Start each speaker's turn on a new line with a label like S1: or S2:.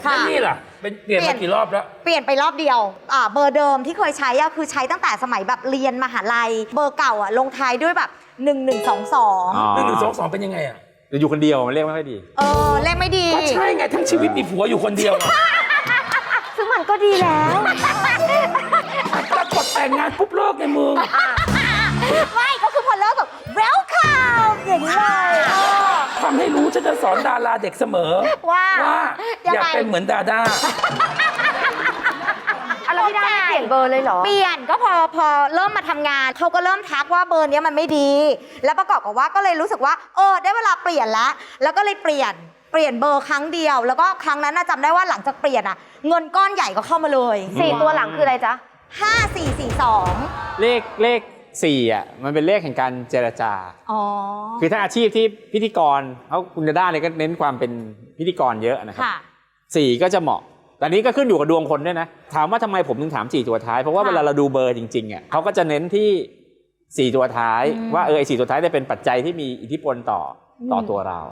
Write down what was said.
S1: นี่ล่ะเป็นเปลี่ยนมากี่รอบแล้ว
S2: เปลี่ยนไปรอบเดียวเบอร์เดิมที่เคยใช้คือใช้ตั้งแต่สมัยแบบเรียนมหาลัยเบอร์เก่าลงท้ายด้วยแบบ1122
S1: 1122เป็นยังไง
S3: อยู่คนเดียวมันเรียกไม่ค่อยดี
S2: เลขไม่ดี
S1: ก็ใช่ไงทั้งชีวิตมีผัวอยู่คนเดียว
S2: ซึ่งมันก็ดีแล้ว
S1: ปรากฏแต่งงานปุ๊บเลิกในมือ
S2: ไม่ก็คือพอเลิกแบบ welcome อย่างนี้เลย
S1: ทำให้รู้ฉันจะสอนดาราเด็กเสมอว่าอย่าเป็นเหมือนดาด้า
S4: แล้วพี่ดาไม่เปลี่ยนเบอร์เลยเหรอ
S2: เปลี่ยนก็พอเริ่มมาทำงานเขาก็เริ่มทักว่าเบอร์นี้มันไม่ดีแล้วประกอบกับว่าก็เลยรู้สึกว่าได้เวลาเปลี่ยนแล้วก็เลยเปลี่ยนเบอร์ครั้งเดียวแล้วก็ครั้งนั้นจำได้ว่าหลังจากเปลี่ยนเงินก้อนใหญ่ก็เข้ามาเลย
S4: 4 ตัวหลังคืออะไรจ๊ะ
S2: 5442
S3: เลข4มันเป็นเลขแห่งการเจรจาคือถ้าอาชีพที่พิธีกรคุณดาด้าเนี่ยก็เน้นความเป็นพิธีกรเยอะนะครับ4ก็จะเหมาะแต่นี้ก็ขึ้นอยู่กับดวงคนด้วยนะถามว่าทำไมผมถึงถาม4ตัวท้ายเพราะว่าเวลาเราดูเบอร์จริงๆเขาก็จะเน้นที่4ตัวท้ายว่าไอ้4ตัวท้ายจะเป็นปัจจัยที่มีอิทธิพลต่อตัวเรา